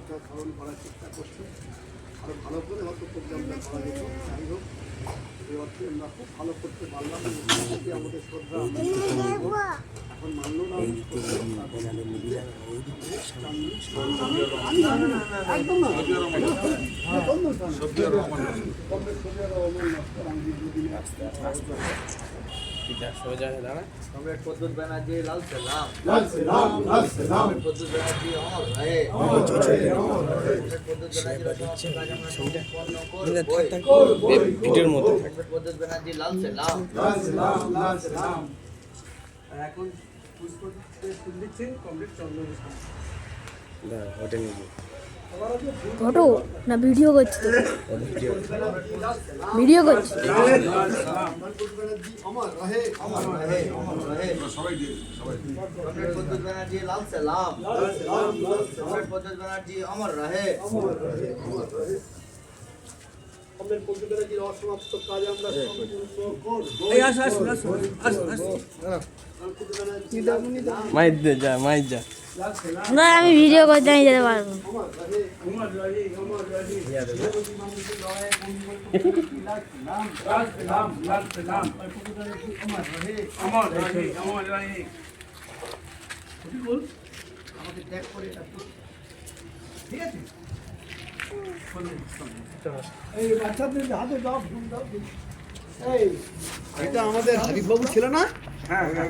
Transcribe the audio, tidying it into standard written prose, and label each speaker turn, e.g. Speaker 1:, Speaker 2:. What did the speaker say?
Speaker 1: শ্রদ্ধা ধারণ করার চেষ্টা করছে। আরও ভালো করে হয়তো প্রোগ্রামটা করা যেত। যাই হোক, এই অর্থে আমরা খুব ভালো করতে পারলাম। আমাদের শ্রদ্ধা এখন মানল না একদম না
Speaker 2: সোজা হয়ে দাঁড়া।
Speaker 3: কমরেড প্রদ্যুৎ ব্যানার্জি লাল সালাম।
Speaker 1: লাল সালাম, লাল সালাম।
Speaker 3: প্রদ্যুৎ ব্যানার্জি অমর রহে। প্রদ্যুৎ ব্যানার্জি
Speaker 2: ভিডিওর মধ্যে
Speaker 3: প্রদ্যুৎ ব্যানার্জি লাল সালাম।
Speaker 1: লাল সালাম, লাল সালাম।
Speaker 4: এখন পুষ্প ফুল দিচ্ছেন কমপ্লিট চন্দ্র
Speaker 2: দাঁড়া, ওটা নিয়ে যাও।
Speaker 5: ফটো না ভিডিও করছি তো ভিডিও করছি
Speaker 1: অমর রহে, অমর রহে,
Speaker 3: অমর রহে। কমরেড প্রদ্যুৎ ব্যানার্জি লাল সালাম। কমরেড প্রদ্যুৎ ব্যানার্জি অমর রহে।
Speaker 1: আমাদের পরিবারের অসমাপ্ত কাজ আমরা সম্পূর্ণ করব।
Speaker 4: এই আসো আসো আসো আসো আসো
Speaker 2: মাইর দে, যা মাইর যা।
Speaker 5: না আমি ভিডিও করতে আমি যেতে পারবো না।
Speaker 1: অমর রহে,
Speaker 4: উমর রহি উমর রহি লাল সালাম লাল সালাম উমর রহি উমর রহি উমর রহি বল
Speaker 1: আমাকে ট্যাগ করে এটা ঠিক আছে। এই বাচ্চাদের হাতে দাও, ফোন দাও। এই এটা আমাদের হাবিব বাবু ছিল না?
Speaker 4: হ্যাঁ হ্যাঁ